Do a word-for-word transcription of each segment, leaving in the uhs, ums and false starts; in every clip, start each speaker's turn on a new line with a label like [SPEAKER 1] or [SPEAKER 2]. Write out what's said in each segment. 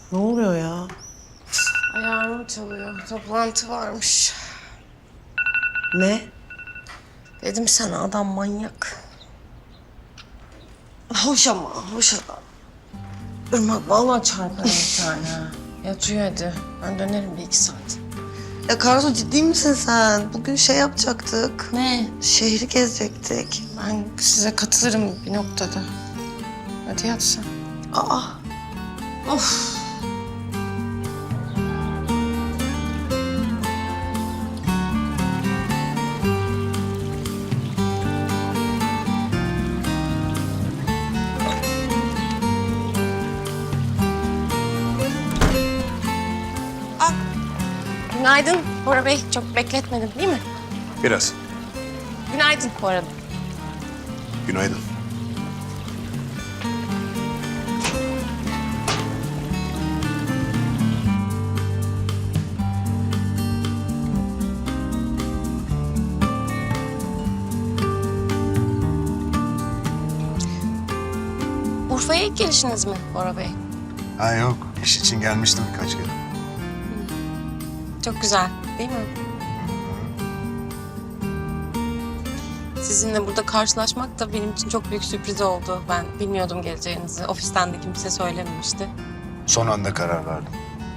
[SPEAKER 1] Ne oluyor ya?
[SPEAKER 2] Ayağım çalıyor. Toplantı varmış.
[SPEAKER 1] Ne?
[SPEAKER 2] Dedim sana adam manyak.
[SPEAKER 1] Hoş ama, hoş adam.
[SPEAKER 2] Irmak vallahi çarparım bir tane. ha. Yat uyu hadi. Ben dönerim bir iki saat.
[SPEAKER 1] Ya Karsu ciddi misin sen? Bugün şey yapacaktık.
[SPEAKER 2] Ne?
[SPEAKER 1] Şehri gezecektik.
[SPEAKER 2] Ben size katılırım bir noktada. Hadi yat sen.
[SPEAKER 1] Aa,
[SPEAKER 2] Of. Ah. Günaydın Bora Bey. Çok bekletmedim değil mi?
[SPEAKER 3] Biraz.
[SPEAKER 2] Günaydın bu arada.
[SPEAKER 3] Günaydın.
[SPEAKER 2] Urfa'ya ilk gelişiniz mi Bora Bey?
[SPEAKER 3] Ha yok, iş için gelmiştim birkaç kere.
[SPEAKER 2] Çok güzel değil mi? Sizinle burada karşılaşmak da benim için çok büyük sürpriz oldu. Ben bilmiyordum geleceğinizi. Ofisten de kimse söylememişti.
[SPEAKER 3] Son anda karar verdim.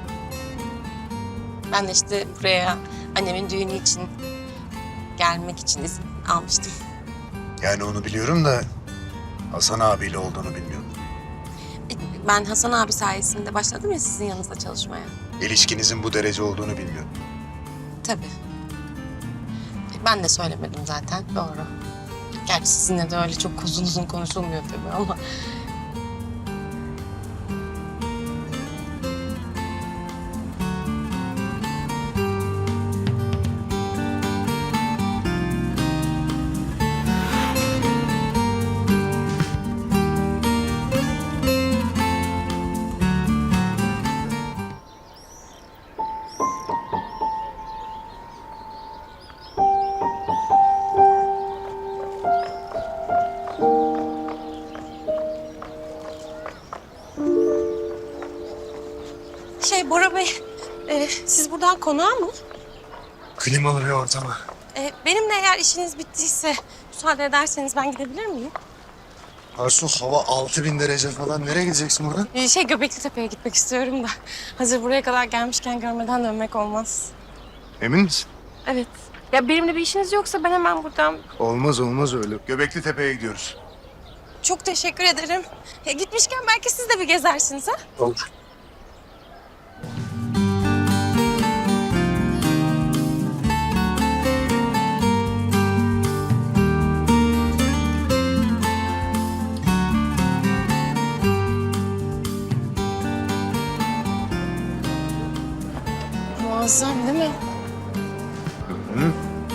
[SPEAKER 2] Ben de işte buraya annemin düğünü için gelmek için izin almıştım.
[SPEAKER 3] Yani onu biliyorum da Hasan abiyle olduğunu bilmiyordum.
[SPEAKER 2] Ben Hasan abi sayesinde başladım ya sizin yanınızda çalışmaya.
[SPEAKER 3] İlişkinizin bu derece olduğunu bilmiyordum.
[SPEAKER 2] Tabii. Ben de söylemedim zaten, doğru. Gerçi sizinle de öyle çok uzun uzun konuşulmuyor tabii ama... Şey Bora Bey, e, siz buradan konağa mı?
[SPEAKER 3] Klimalı bir ortama.
[SPEAKER 2] E, benimle eğer işiniz bittiyse müsaade ederseniz ben gidebilir miyim?
[SPEAKER 3] Arsu hava altı bin derece falan. Nereye gideceksin buradan?
[SPEAKER 2] E, şey Göbekli Tepe'ye gitmek istiyorum da. Hazır buraya kadar gelmişken görmeden dönmek olmaz.
[SPEAKER 3] Emin misin?
[SPEAKER 2] Evet. Ya benimle bir işiniz yoksa ben hemen buradan...
[SPEAKER 3] Olmaz olmaz öyle. Göbekli Tepe'ye gidiyoruz.
[SPEAKER 2] Çok teşekkür ederim. E, gitmişken belki siz de bir gezersiniz ha?
[SPEAKER 3] Olur.
[SPEAKER 2] Muazzam değil mi?
[SPEAKER 3] Hı?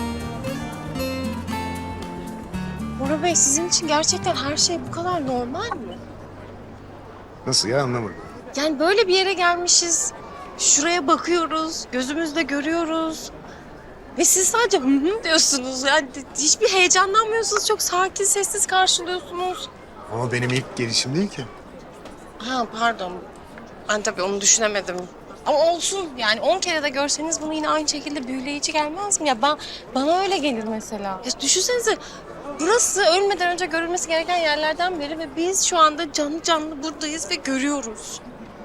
[SPEAKER 2] Bora Bey sizin için gerçekten her şey bu kadar normal mi?
[SPEAKER 3] Nasıl ya, anlamadım.
[SPEAKER 2] Yani böyle bir yere gelmişiz. Şuraya bakıyoruz, gözümüzle görüyoruz. Ve siz sadece hı hı diyorsunuz. Yani hiçbir heyecanlanmıyorsunuz. Çok sakin, sessiz karşılıyorsunuz.
[SPEAKER 3] Ama benim ilk gelişim değil ki.
[SPEAKER 2] Ha pardon. Ben tabii onu düşünemedim. Ama olsun yani on kere de görseniz bunu yine aynı şekilde büyüleyici gelmez mi? Ya ben, bana öyle gelir mesela. Ya düşünsenize burası ölmeden önce görülmesi gereken yerlerden biri ve biz şu anda canlı canlı buradayız ve görüyoruz.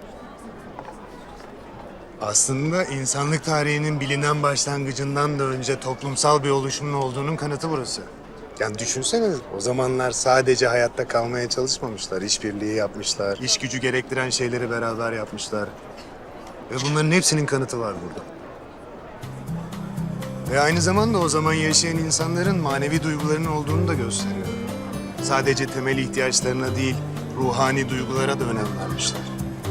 [SPEAKER 3] Aslında insanlık tarihinin bilinen başlangıcından da önce toplumsal bir oluşumun olduğunun kanıtı burası. Yani düşünsene, o zamanlar sadece hayatta kalmaya çalışmamışlar, işbirliği yapmışlar, iş gücü gerektiren şeyleri beraber yapmışlar. Ve bunların hepsinin kanıtı var burada. Ve aynı zamanda o zaman yaşayan insanların manevi duygularının olduğunu da gösteriyor. Sadece temel ihtiyaçlarına değil, ruhani duygulara da önem vermişler.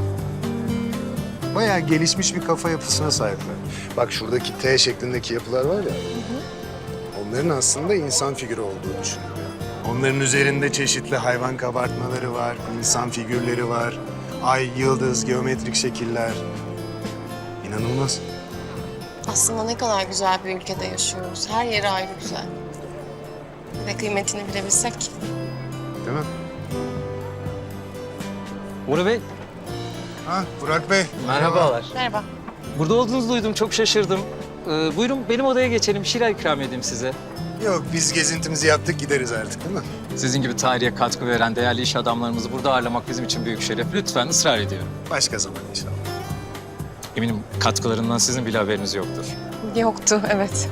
[SPEAKER 3] Bayağı gelişmiş bir kafa yapısına sahipler. Bak şuradaki T şeklindeki yapılar var ya, onların aslında insan figürü olduğu düşünülüyor. Onların üzerinde çeşitli hayvan kabartmaları var, insan figürleri var, ay, yıldız, geometrik şekiller. İnanılmaz.
[SPEAKER 2] Aslında ne kadar güzel bir ülkede yaşıyoruz. Her yeri ayrı güzel. Ve kıymetini bilebilsek.
[SPEAKER 3] Değil mi?
[SPEAKER 4] Bora Bey,
[SPEAKER 3] Ha, Burak Bey.
[SPEAKER 4] Merhabalar.
[SPEAKER 2] Merhaba.
[SPEAKER 4] Burada olduğunuzu duydum, çok şaşırdım. Ee, buyurun benim odaya geçelim, bir şeyler ikram edeyim size.
[SPEAKER 3] Yok, biz gezintimizi yaptık, gideriz artık değil mi?
[SPEAKER 4] Sizin gibi tarihe katkı veren değerli iş adamlarımızı burada ağırlamak bizim için büyük şeref. Lütfen ısrar ediyorum.
[SPEAKER 3] Başka zaman inşallah.
[SPEAKER 4] Eminim katkılarından sizin bile haberiniz yoktur.
[SPEAKER 2] Yoktu, evet.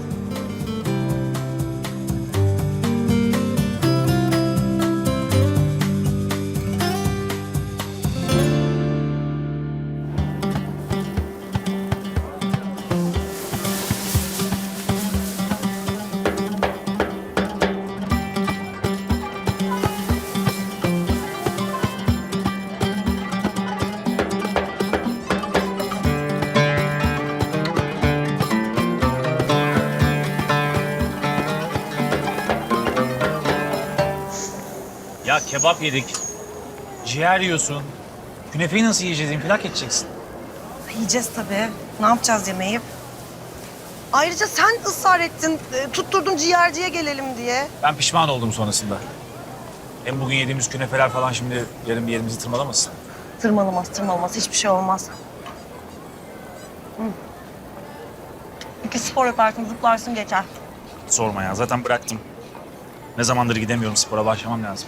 [SPEAKER 5] Ya kebap yedik. Ciğer yiyorsun. Künefeyi nasıl yiyeceğiz? İnfilak edeceksin.
[SPEAKER 1] Yiyeceğiz tabii. Ne yapacağız yemeği? Ayrıca sen ısrar ettin, e, tutturdun ciğerciye gelelim diye.
[SPEAKER 5] Ben pişman oldum sonrasında. Hem bugün yediğimiz künefeler falan şimdi yarın bir yerimizi tırmalamasın.
[SPEAKER 1] Tırmalamaz, tırmalamaz. Hiçbir şey olmaz. Hı. İki spor yaparsın, zıplarsın geçer.
[SPEAKER 5] Sorma ya, zaten bıraktım. Ne zamandır gidemiyorum, spora başlamam lazım.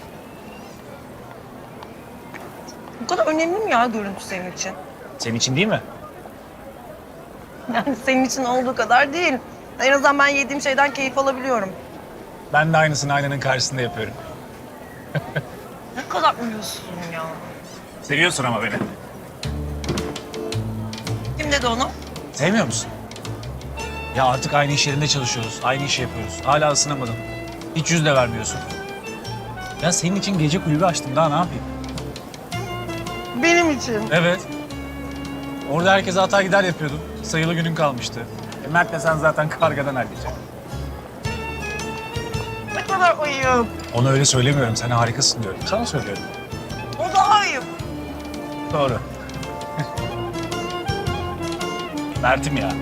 [SPEAKER 1] Bu kadar önemli mi ya görüntü senin için?
[SPEAKER 5] Senin için değil mi?
[SPEAKER 1] Yani senin için olduğu kadar değil. En azından ben yediğim şeyden keyif alabiliyorum.
[SPEAKER 5] Ben de aynısını aynanın karşısında yapıyorum.
[SPEAKER 1] Ne kadar uyuyorsun ya.
[SPEAKER 5] Seviyorsun ama beni.
[SPEAKER 1] Kim dedi onu?
[SPEAKER 5] Sevmiyor musun? Ya artık aynı iş yerinde çalışıyoruz, aynı işi yapıyoruz. Hala ısınamadın. Hiç yüz de vermiyorsun. Ya senin için gece kulübü açtım, daha ne yapayım?
[SPEAKER 1] Benim için.
[SPEAKER 5] Evet. Orada herkese hata gider yapıyordun. Sayılı günün kalmıştı. E Mert'le sen zaten kargadan halledeceksin.
[SPEAKER 1] Ne kadar uyuyor.
[SPEAKER 5] Ona öyle söylemiyorum. Sen harikasın diyorum. Sana söylüyorum.
[SPEAKER 1] O daha ayıp.
[SPEAKER 5] Doğru. Mert'im ya.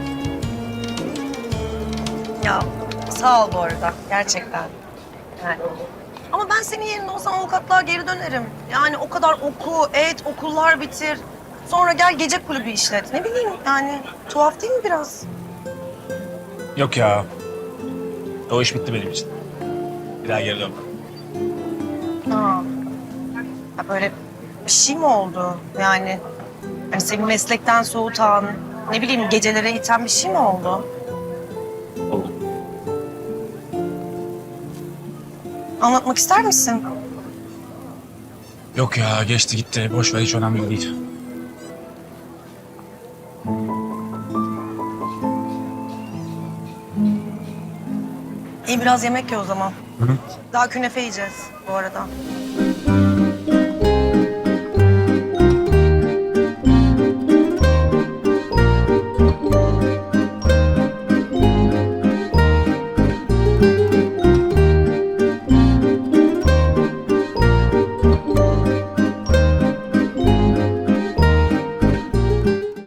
[SPEAKER 1] Ya sağ ol bu arada gerçekten. Yani. Ama ben senin yerinde olsam avukatlığa geri dönerim. Yani o kadar oku, et, okullar bitir. Sonra gel gece kulübü işlet. Ne bileyim yani tuhaf değil mi biraz?
[SPEAKER 5] Yok ya. O iş bitti benim için. Bir daha geri dönmem.
[SPEAKER 1] Ha. Ya böyle bir şey mi oldu yani? Hani seni meslekten soğutan, ne bileyim gecelere iten bir şey mi oldu?
[SPEAKER 5] Oldu.
[SPEAKER 1] Anlatmak ister misin?
[SPEAKER 5] Yok ya, geçti gitti. Boş ver, hiç önemli değil.
[SPEAKER 1] İyi biraz yemek ye o zaman.
[SPEAKER 5] Hı hı.
[SPEAKER 1] Daha künefe yiyeceğiz bu arada.